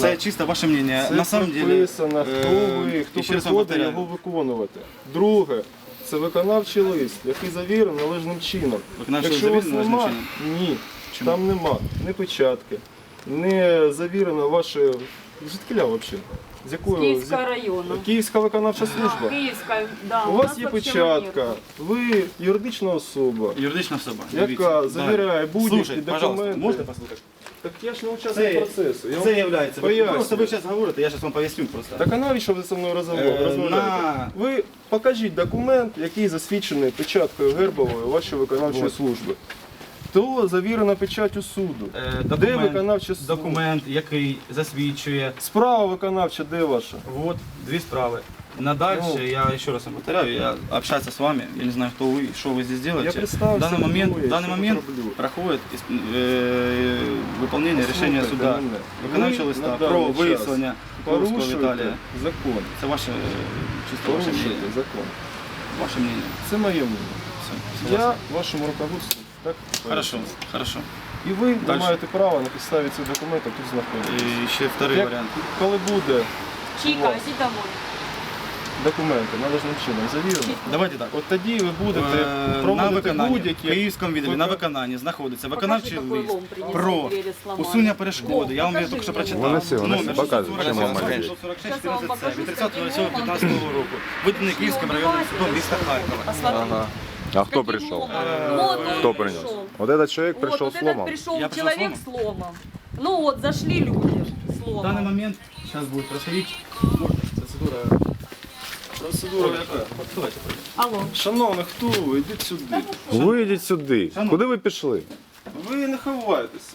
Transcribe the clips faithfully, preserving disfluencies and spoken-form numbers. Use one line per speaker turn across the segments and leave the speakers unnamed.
Це чисто ваше мнение.
Це
На самом деле,
прописано, хто ви, хто
ще раз вам
приходить
повторяю.
його виконувати. Друге, це виконавчий лист, який завірений належним чином.
Виконавчий
Якщо у вас
завірений належним
нема,
чином?
ні,
Чому?
там нема ні печатки, не завірено ваше... Звідкиля взагалі? З якої?
Київського
з-
району.
Київська виконавча служба.
Київська, да.
У вас є
вообще
печатка,
нет.
ви юридична особа,
Юридична особа.
яка
Дивіться.
завіряє будь-які
Слушай, пожалуйста,
документи.
можете послухати?
Так я ж не учасник
Це,
процесу. Я
це
вам
є, ви,
пояснюю.
просто ви зараз говорите, я зараз вам поясню просто.
Так а навіщо ви зі мною розмов-
Е,
розмовляєте?
на-
Ви покажіть документ, який засвідчений печаткою гербовою вашої виконавчої
Вот.
служби. То завірена печаттю суду.
Е,
Де
документ,
виконавча служба?
документ, який засвідчує.
Справа виконавча, де ваша?
Вот, две справы. На дальше,
Ну.
я еще раз вам повторяю, я общаться с вами, я не знаю, кто вы, что вы здесь делаете.
Я представился,
в данный момент,
кто я,
в данный
что
момент
роблю.
проходит исп- э, выполнение рішення
Послухайте
суда,
мене.
виконавчого
Ви
листа
на
про
даний час
виявлення Курського
Порушуєте
Віталія.
закон.
Це ваше, е, чисто ваше
Порушуєте
мнение.
закон.
Ваше мнение.
Це моє мнение.
Все,
Я вашому руководству так
Хорошо,
поясню.
хорошо.
І ви не
Дальше.
маєте права на підставі цих документів тут знаходитися.
І ще второй
Як-
варіант.
Коли буде
Чика,
у вас
иди домой.
документи належним чином завірені,
Давайте так.
от тоді ви будете
Е, на
проводити
виконанні, в
будь-які...
Київському відділі на
Вика-
виконанні знаходиться виконавчий
какой
лист
лом принесли,
про
двері зламали.
усунення перешкоди. Я вам
Покажи
його тільки що
мені
прочитав.
лом.
Вона все, вона все показує, чим вам
сорок
малює.
шість, сорок шість,
Щас я вам
чотирнадцять,
покажу,
від тридцятого
з яким
сьомого п'ятнадцятого року. Виданий Київським районним судом міста Харкова.
Посмотри.
Ага. А кто пришел?
Вот он
Кто принес?
пришел.
Вот этот человек
Вот,
пришел
вот
с
этот
ломом.
пришел
Я пришел
человек с ломом. Ну вот, зашли люди с
В данный
ломом.
момент сейчас будет происходить процедура. Процедура яка? Давайте.
Алло.
Шановний, хто ви? Йдіть сюди.
Вийдіть сюди. Куди ви пішли?
Ви не ховаєтеся.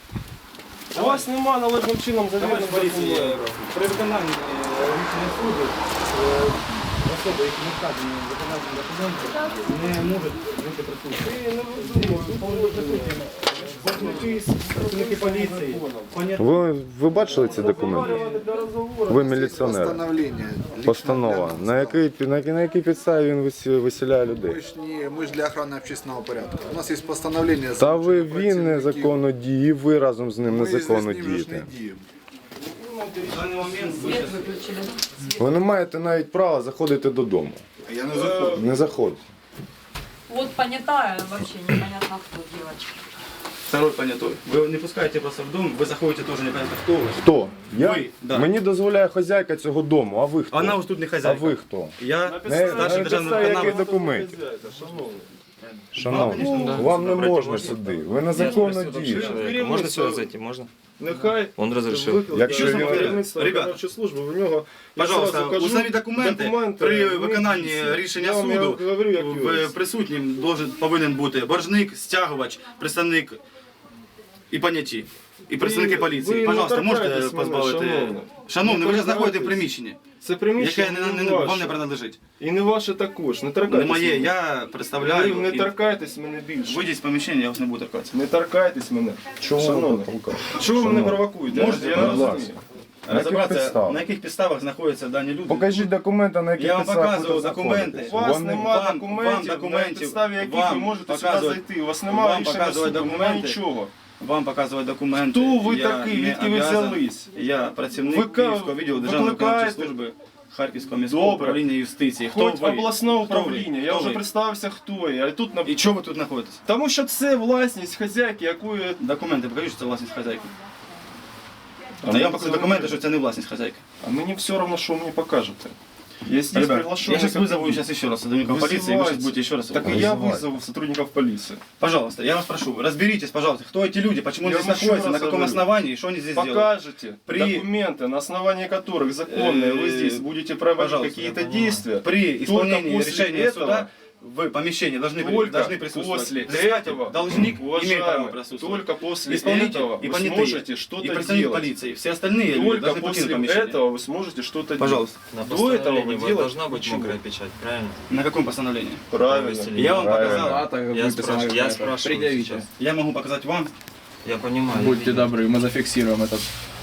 У вас нема належним чином завірених документів.
При виконанні е, рішення суду е, особи, які не вказані в виконанні документів, не можуть бути присутні. Працівники поліції.
Ви, ви бачили ці документи? Ви міліціонер.
Постановление.
Постанова. На якій, на, якій- на якій підставі він висі- виселяє людей?
Мы ж, не, мы ж для охраны общественного порядка. У нас есть постановление.
Та ви
залучення
він
працівників.
незаконно діє, і ви разом з ним
Ми
незаконно
з ним ж не
дієте.
діємо.
В даний момент ви
Свет
щас-
выключили.
Ви не маєте навіть права заходити додому.
Я не заходжу.
Не заходьте.
Вот понятая, вообще непонятно кто девочка.
Второй понятой. Вы не пускаете просто в дом, вы заходите тоже непонятно кто вы.
Хто? Я?
Ви, да.
Мені дозволяє хазяйка цього дому, а ви хто?
Она ось тут не
А
хозяйка.
ви хто?
Я
На,
старший
на
державний
підставі яких
виконавець.
документів?
Шановний.
Шановні,
Ну, да.
вам не можна сюди. Ви незаконно дієте.
Можно сюда зайти? Можно?
Нехай
Он разрешил.
викликає
Якщо він-
керівництво
Ребята,
виконавчої служби, в нього я
Пожалуйста,
зразу кажу,
установіть документи,
документи,
при
ну,
виконанні
я
рішення
вам
суду
говорю, як
в
юрист.
присутнім должен, повинен бути боржник, стягувач, представник і поняті. І представники
Ви-
поліції.
ви
Пожалуйста,
не
можете
торкайтесь мене,
позбавити.
шановний.
Шановний,
Не
ви зараз знаходитесь в
торкайтесь.
приміщенні,
Це приміщення
яке не,
не,
не, вам
ваше.
не принадлежить.
І не ваше також. Не
Не
торкайтесь.
моє,
мене.
я представляю.
Ви не
і
торкайтесь мене більше.
Вийдіть з поміщення, я вас не буду торкатися.
Не торкайтесь мене.
Чого ви
Шановний.
толкаєте?
Чого ви мене
Шановний.
провокуєте?
Можете,
я не
будь
розумію.
ласка. На яких
Розібратися,
підставах?
на яких підставах знаходяться дані люди.
Покажіть документи, на яких
Я вам
підставах
показував
ви тут
документи.
знаходитесь.
У вас
Вони-
нема
вам-
документів,
вам документів,
на підставі яких
вам
ви можете сюди
показувати-
зайти. У вас немає
вам
рішення
показувати
суду, немає
документи.
нічого.
Вам показувати документи.
Хто ви
я
такий?
не
Відки ви
обязан.
взялись?
Я працівник
Ви ка-
Київського відділу Державної
викликаєте?
виконавчої служби Харківського міського
Добре.
управління юстиції. Хто
Хоч
ви?
обласного
Хто ви?
управління. Я
Хто
вже
ви?
представився, хто я. А тут на...
І чого ви тут знаходитесь?
Тому що це власність хазяйки, якої...
Документи, покажіть, що це власність хазяйки.
А
Та
мені
я вам покажу
це
документи,
не-
що це не власність хазяйки.
А мені все одно, що ви мені покажете. Я здесь
Ребят,
приглашенный.
я сейчас вызову сейчас еще раз сотрудников полиции, и вы сейчас будете еще раз...
Так и я вызову сотрудников полиции.
Пожалуйста, я вас прошу, разберитесь, пожалуйста, кто эти люди, почему они
Я
здесь
вам еще
находятся, на
раз
каком
говорю.
основании, и что они здесь делают.
Покажете
При-
документы, на основании которых законные вы
Э,
здесь будете проводить
пожалуйста,
какие-то действия.
При исполнении
после
решения
этого-
суда в помещении должны,
Только
должны присутствовать
после
взыскатель,
этого,
должник имеет право
уважаемый,
присутствовать.
только после
Исполнитель
этого
и
вы
понятые,
сможете
и
что-то
представник
делать.
полиции. Все остальные люди
Только
должны покинуть
после
помещение.
этого вы сможете что-то
Пожалуйста.
делать.
На
До этого
постановлении
вы
вот
делать
должна быть
ничего.
мокрая печать, правильно?
На каком постановлении?
Правильно.
Я вам
Правильно.
показал.
Я спрашиваю, я спрашиваю
Предъявите.
сейчас.
Я могу показать вам.
Я понимаю.
Будьте
я видел.
добры, мы зафиксируем этот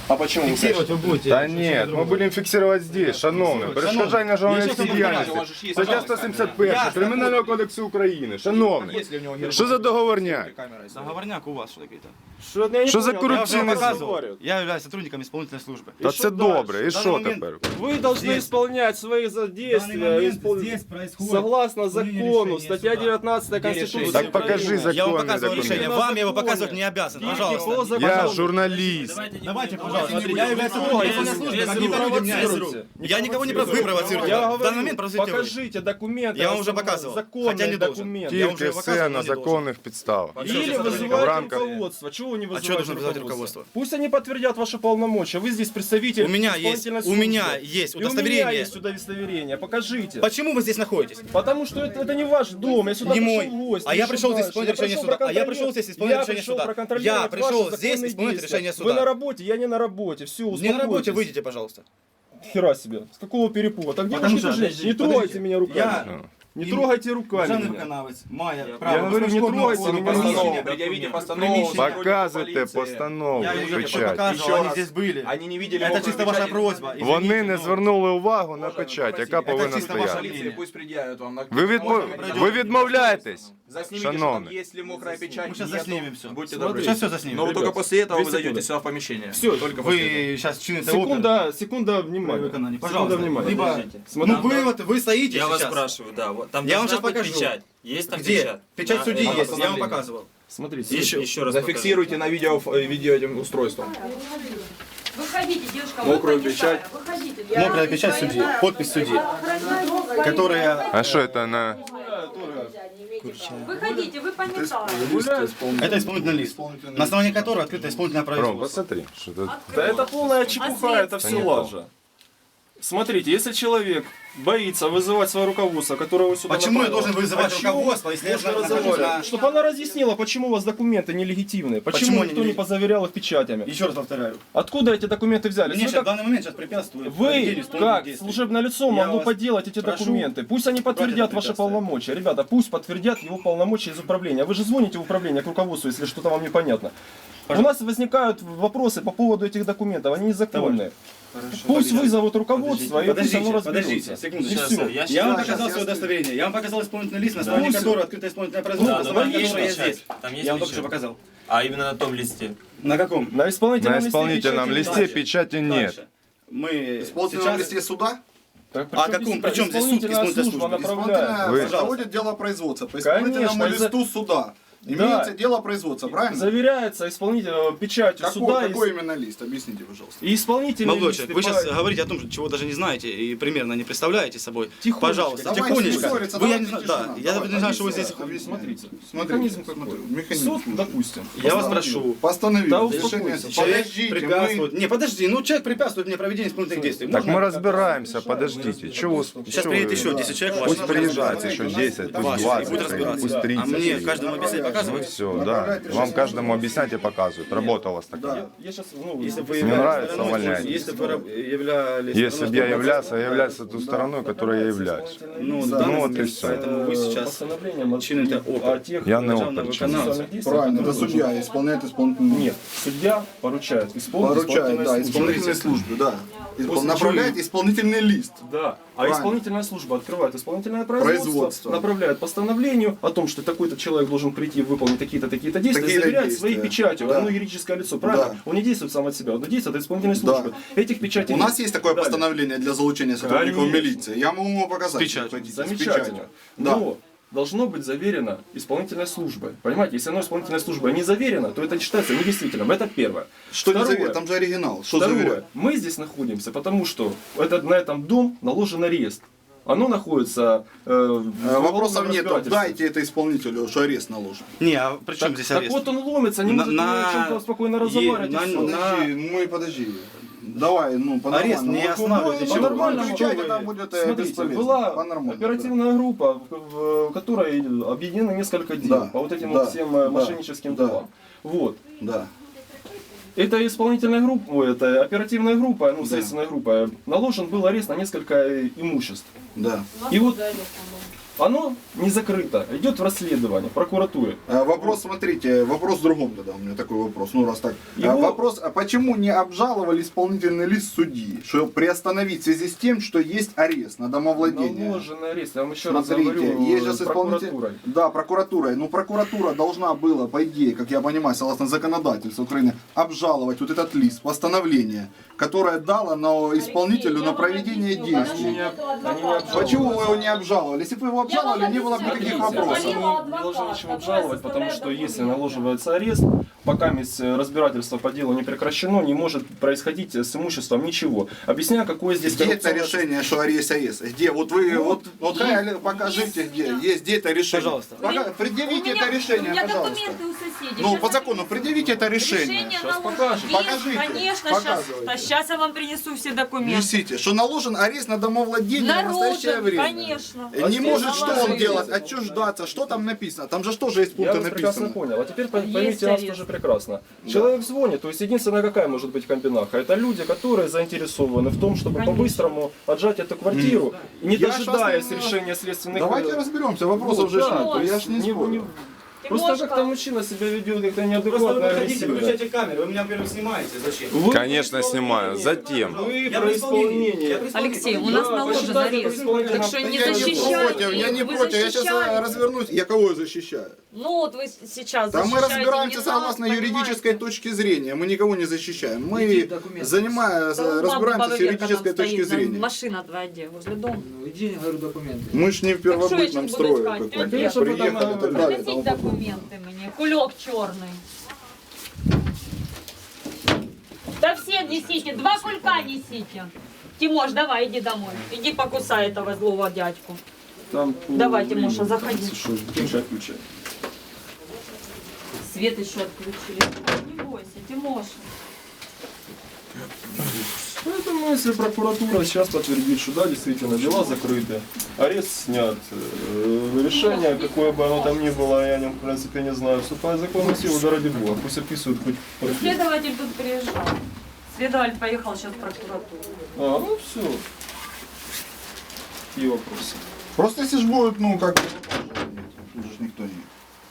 А почему вы
Фиксировать вы будете.
Та ні, ми будемо фіксувати здесь, шановний. Перешкоджання журналістській діяльності. Стаття сто сімдесят перша Кримінального кодексу України. Шановний, що за договорняк?
Договорняк у вас что какие-то.
Что, я не
Що за
понял, я уже
корупційний
показывал.
Я являюсь сотрудником исполнительной службы.
Та
що
це
дальше?
добре, і що
момент-
тепер?
Вы должны
Здесь-
исполнять свои задействия испол-
происходит
согласно закону, статья девятнадцатая Конституции.
Так покажи
Украины.
Я вам
законний
показывал решение.
документ.
Вам я его показывать не обязан.
По
Пожалуйста.
закону.
Я журналіст.
Давайте, пожалуйста. Я являюсь сотрудником исполнительной службы. Как не люди меня
провоцируйте.
Я никого не провоцирую. Вы провоцируете.
Я
В
говорю,
данный момент провоцируете вы.
покажите документы.
Я вам уже показывал,
Законные
хотя не должен.
документы.
Я вам
Тільки
вже
все
показував,
на
але не должен.
законних підставах.
Или
В
вызывайте
рамках-
руководство. Чего вы не вызываете
что должен вызывать
руководство?
руководство?
Пусть они подтвердят ваши полномочия. Вы здесь представитель
У меня есть,
исполнительной
у
службы.
меня есть
И у меня
удостоверение.
есть удостоверение. Покажите.
Почему вы здесь находитесь?
Потому что это, это не ваш дом. Я сюда
Не
пришел
мой.
в гости.
А я
Что
пришел здесь
дальше?
исполнить
Я
решение
пришел
суда. А я
проконтролировать-
пришел здесь исполнить
я
решение
пришел
суда.
проконтролировать
Я пришел
ваши
здесь
законные
исполнить
действия.
решение
Вы
суда.
на работе, я не на работе. Все,
Не на работе,
успокойтесь.
выйдите, пожалуйста.
Хера себе. С какого перепуга? Так
Потому
девушки
что,
тоже,
подожди,
не трогайте
подожди.
меня руками.
Я-
Не трогайте руками
Державный
меня.
виконавець має
Я
право
говорю, не
безкоштовно
трогайте
оформити
меня.
приміщення.
Предъявите
Приміщення.
постанову.
Показуйте постанову,
Я им уже
печать.
показывал, они здесь были.
Они не видели
Это
мокрой
чисто ваша
печати.
просьба.
Вони
Извините,
не
но-
звернули увагу на печать, яка повинна
чисто ваша
стояти.
лінія.
Пусть предъявят вам. на-
Ви, відмо... ви відмовляєтесь?
Заснимите, что там
Шановний.
есть ли мокрая печать.
Мы сейчас
нету.
заснимем все.
Будьте
Смотри.
добры.
Сейчас все заснимем.
Но вы
Ребят,
только после этого
две
вы зайдете
секунды.
сюда в помещение.
Все,
Только после этого.
Вы сейчас чините опер.
Секунда, секунда внимания.
Виконание.
Секунда
Пожалуйста.
внимания.
Либо,
Смотри.
ну вы вот, вы стоите
Я вас
сейчас.
спрашиваю, да. Вот, там
Я вам
должна
сейчас
быть
покажу.
печать. Есть там
Где?
печать?
Печать
На-
судьи
на
есть, я вам
постановлении.
показывал.
Смотрите.
Еще, еще раз
Зафиксируйте на видео, э, видео этим устройством.
Выходите, девушка,
Мокрую
вы
печать.
Выходите.
Мокрая печать судьи, подпись судьи, которая...
А що це на...
Выходите, вы пометали.
Это исполнительный лист, на основании которого открыто исполнительное
Ром,
производство.
посмотри, що тут...
Да это полная чепуха, это все
не
лажа. Смотрите, если человек боится вызывать свое руководство, которое вы сюда
Почему я
направили,
должен вызывать
о чем
руководство, если я
можно
нахожусь
разговаривать?
на-
Чтобы она разъяснила, почему у вас документы нелегитимные, почему,
Почему они
никто не
нелегитимные?
позаверял их печатями.
Еще раз повторяю.
Откуда эти документы взялись?
Мне
Вы
сейчас в
как,
данный момент сейчас препятствует
вы,
проведению исполнительных
как
действий.
служебное лицо,
Я
могло
вас
подделать эти
прошу
документы? Пусть они подтвердят
это
ваши
препятствие.
полномочия. Ребята, пусть подтвердят его полномочия из управления. Вы же звоните в управление к руководству, если что-то вам непонятно. У нас возникают вопросы по поводу этих документов, они незаконные. Пусть вызовут руководство и пусть оно разберется.
секунду.
И
Сейчас,
все.
я
Я вам
сейчас-
показал свое удостоверение, я вам показал исполнительный лист, на основании
Да.
которого открыто исполнительное производство,
Да,
на
но
основании
там есть
которого я
печать.
здесь.
Там есть
Я вам только что
печать.
показал.
А именно на том листе.
На каком?
На исполнительном,
На
листе
исполнительном
печати
листе
нет.
печати нет.
Дальше. Мы
Исполнительном
сейчас...
листе суда
Так,
А
причем
каком-
здесь
причем здесь суд,
исполнительная
исполнительная
служба
служба?
направляет.
исполнительное
Вы-
проводит дело производства. По исполнительному
Конечно, из-за-
листу суда имеется дело производства, правильно?
Заверяется исполнитель э, печатью
Какой,
суда и-
какой именно лист? Объясните, пожалуйста.
и исполнительный
Молодой
лист,
человек, вы
и
сейчас
по-
говорите о том, чего даже не знаете и примерно не представляете собой.
Тихонечко.
Пожалуйста,
Давайте
тихонечко.
не ссориться,
Вы, я
давайте
не знаю,
тишина.
да, я
Давай,
не знаю, что вы здесь...
объясняйте.
Смотрите,
Смотрите,
механизм какой.
смотрю, механизм.
Суд, допустим.
Я вас прошу.
Постановили.
Да
Решение.
успокойся.
Человек
Подождите,
препятствует.
мы...
Не, подожди, ну человек препятствует мне проведению исполнительных действий.
Так
Можно-
мы разбираемся, подождите. Чего,
Сейчас
чего
приедет
вы-
еще десять человек,
Пусть
ваши
приезжает еще десять, пусть
ваши, и
двадцать,
будет разбираться.
пусть тридцать.
А мне каждому объяснять
Ну
показывать?
все, да. Вам каждому объяснять и показывать. Работа у вас такая.
Да.
Я сейчас, ну,
Если бы вы
Не
являлись
нравится,
стороной,
увольняйтесь.
Если бы вы раб- являлись...
Если бы я являлся, я являюсь той стороной, которой я являюсь.
Ну,
Да,
да,
ну вот
ну,
и всё.
Поэтому вы сейчас
постановлением от-
чините опер.
о тех
Я не
державного
опер, честно.
виконавца.
процессуальных действиях,
Правильно, это
которые
судья
должен-
исполняет исполнительную.
Нет, судья поручает исполнить
Поручает, да,
исполнительной службе.
исполнительной службе, да. Испол-
После
Направляет
чего-
исполнительный лист.
Да, а
Правильно.
исполнительная служба открывает исполнительное производство,
Производство.
направляет постановлению о том, что такой-то человек должен прийти и выполнить такие-то, такие-то действия,
Такие-то
заверять
действия.
своей печатью.
Да.
Оно юридическое лицо, правильно?
Да.
Он не действует сам от себя, он действует от исполнительной
Да.
службы. Этих печатей
У
нет.
нас есть такое
Далее.
постановление для залучения сотрудников
Конечно.
милиции. Я могу вам показать.
С печатью.
Хотите, с
Замечательно.
печатью. Да.
Но должно быть заверено исполнительной службой. Понимаете, если оно исполнительной службой не заверено, то это считается недействительным. Это первое.
Что не
Второе.
заверено? Там же оригинал. Что
Второе.
заверяет?
Мы здесь находимся, потому что это, на этом дом наложен арест. Оно находится э, в
Э, Вопросов
уголовном
нет.
разбирательстве.
Дайте это исполнителю, что арест наложен.
Не, а при чем
Так,
здесь
так
арест?
вот он ломится, не
На-
может
на-
ни о чем-то спокойно
е-
разговаривать. и
на-
всё.
Подожди, ну и подожди. Давай, ну, по
Арест не
нормальному.
останавливает
Ну,
ничего.
По-нормальному.
Кричать
Вы-
это будет э,
Смотрите,
бесполезно.
была
По-нормальному,
оперативная группа, в, в- в которой объединены несколько дел
Да,
по вот этим
да,
вот всем э,
да,
мошенническим
да.
делам. Вот.
Да.
Это исполнительная группа, ой, это оперативная группа, ну,
Да.
следственная группа. Наложен был арест на несколько э, имуществ.
Да.
И вот Оно не закрыто, идет в расследование, в прокуратуре.
А, Вопрос, смотрите, вопрос в другом тогда, у меня такой вопрос, ну раз так. А,
Его-
Вопрос, а почему не обжаловали исполнительный лист судьи, что приостановить в связи с тем, что есть арест на домовладение?
Наложенный арест, я вам еще раз
Смотрите,
говорю,
есть же с исполнитель...
прокуратурой.
Да, прокуратурой. Ну, прокуратура должна была, по идее, как я понимаю, согласно законодательству Украины, обжаловать вот этот лист, постановление, которое дало на исполнителю на проведение действий.
Они не обжаловали.
Почему вы его не обжаловали? Если бы вы его обжаловали, не было бы никаких вопросов.
Они не должны ничего обжаловать, потому что если наложивается арест, пока мисс- разбирательство по делу не прекращено, не может происходить с имуществом ничего. Объясняю, какое здесь
Где это
коррупционное-
решение, что арест арест? Где? Вот вы, вот, вот хай, покажите, где. Есть, где это решение.
Пожалуйста.
Пока- предъявите
У меня-
это решение,
У меня
пожалуйста.
документы у соседей.
Ну,
Щас
по
я
закону, предъявите это решение.
Решение
Щас
наложено.
покажем.
Есть,
Покажите,
Конечно, сейчас,
показывайте.
сейчас я вам принесу все документы.
Несите, что наложен арест на домовладение в настоящее
Наружу,
время.
конечно.
Не
А
может
здесь
что он
наложили.
делать, отчуждаться, что там написано? Там же тоже есть
Я
пункты
вас прекрасно
написано.
понял. А теперь по-
Есть
поймите нас
арест.
тоже прекрасно. Человек звонит, то есть единственная какая может быть комбинаха? Это люди, которые заинтересованы в том, чтобы
Конечно.
по-быстрому отжать эту квартиру, и не
Я
дожидаясь
щас, э,
решения следственных...
Давайте разберемся, вопросов
Вот,
же
да,
нет,
то
я
есть
ж не
не-
спорю.
не- Просто
Тимошка.
как-то мужчина себя ведет как-то
Просто вы
неадекватно,
выходите,
агрессивно.
выключайте камеру, вы меня, во-первых, снимаете. Зачем?
Вы
Конечно,
при
снимаю.
исполнении-
Затем.
Вы
Я
про
при исполнении.
исполнение.
Я при исполнении.
Алексей, у нас
Да,
наложен
посчитайте
арест.
исполнительным.
Так что не
Я не
защищайте.
против, я не
Вы
против, я сейчас
защищаете.
развернусь. Я кого защищаю?
Ну вот вы сейчас
Да мы
защищаете
разбираемся
не
согласно
нас,
юридической
понимаете?
точки зрения, мы никого не защищаем. Мы занимаем,
Да у мамы
разбираемся с
баба Верка
юридической
там
точки
стоит,
зрения.
Машина твоя где? Возле дома.
Ну, иди, говорю, документы.
Мы ж не в первобытном
Так что я сейчас
строе
буду искать?
каком-то.
Конечно,
потом,
Приехали и так
э,
далее. и тому
Принесите
подобное.
документы мне. Кулек черный. Да все несите, два кулька несите. Тимош, давай, иди домой. Иди покусай этого злого дядьку.
Там по
Давай,
времени,
Тимоша, заходи.
Что, включай, включай.
Свет еще отключили. Не бойся, Тимоша.
Поэтому, если прокуратура сейчас подтвердит, что да, действительно, дела закрыты, арест снят, э, решение, какое бы оно там ни было, я, не, в принципе, не знаю, вступает в законную силу, да ради бога, пусть описывают хоть профиль.
Следователь тут приезжал. Следователь поехал сейчас в прокуратуру.
А, ну все. Какие вопросы?
Просто если ж будет, ну, как бы, тут же ж никто не...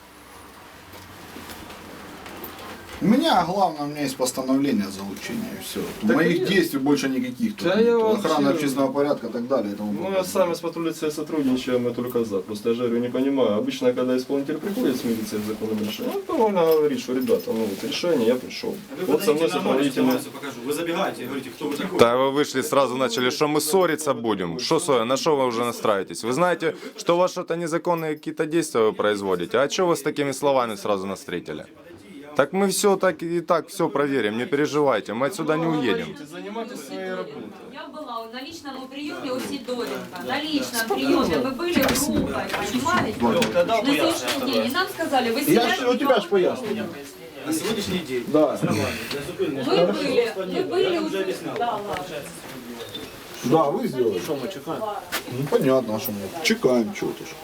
У меня, главное, у меня есть постановление о залучении, и все.
Так
Моих
и-
действий больше никаких. Тут
Да
нет.
я вообще-
Охрана общественного порядка и так далее. И тому
Ну, я
подобное.
сами с патрулей сотрудничаем, я только за. Просто я же говорю, не понимаю. Обычно, когда исполнитель приходит с милицией с законным решением, он довольно говорит, что, ребята, ну, вот решение, я пришел.
Вы
Вот со мной
подойдите на ночь,
сопроводительный...
информацию покажу. Вы забегаете и говорите, кто вы такой.
Да вы вышли, сразу начали, что мы ссориться будем. Что ссориться? На что вы уже настраиваетесь? Вы знаете, что у вас что-то незаконные какие-то действия вы производите. А что вы с такими словами сразу навстретили? Так мы все так и так все проверим, не переживайте, мы отсюда не уедем.
Занимайтесь своей работой.
Я была на личном приеме у Сидоренко. На личном приеме мы были группой, понимаете? На следующий день. И нам сказали, вы
Я
себя
ж, у тебя ж поясню.
На сегодняшний день.
Да.
Вы были, вы были уже... Да, ладно.
Да, вы сделали. Что мы чекаем? Ну, понятно, а что мы чекаем, что-то ж.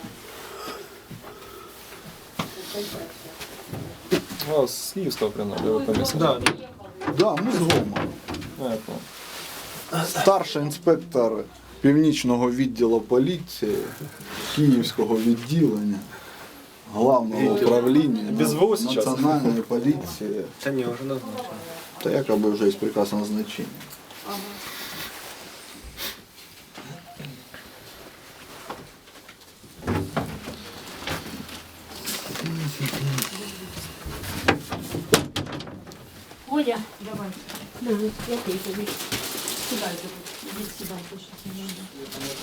А, с Киевского прямо, да,
Да,
Да, ми з Гома.
я понял.
Старший інспектор північного відділу поліції, Київського відділення, Главного управління
Без ВО сейчас?
національної поліції.
да не, уже давно.
Та якоби вже є прекрасне назначення.
Оля, давай. Давай, я тебе. Сюда иди. Иди сюда, больше не надо.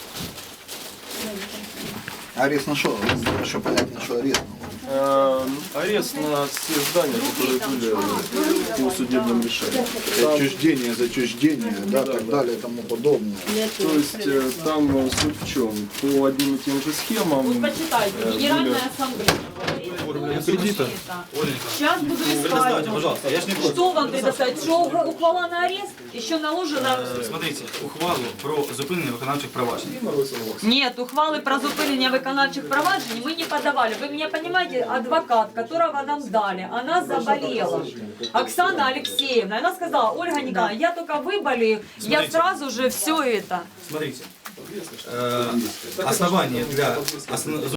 Арест на що? Що понятно, що арест.
Э, Арест на все здания, которые были по судебным решениям.
Отчуждение, зачуждение, да, так далее и тому подобное.
То есть э, там э, суть в чем? По одним и тем же схемам.
Вот почитайте.
э,
Генеральная
были-
ассамблея.
Кредита.
Сейчас буду искать.
Предоставьте, пожалуйста, я ж не против.
Что вам предоставить? Что ухвала на арест? Еще наложено...
Е, Смотрите, ухвалу про зупинення виконавчих проваджень.
Нет, ухвалы про зупинение виконавчих проваджень мы не подавали. Вы меня понимаете, адвокат, которого нам дали, она заболела. Оксана Алексеевна. Она сказала, Ольга Николаевна, я только выболею, я
Смотрите.
сразу же все это.
Смотрите, э, основание для основ-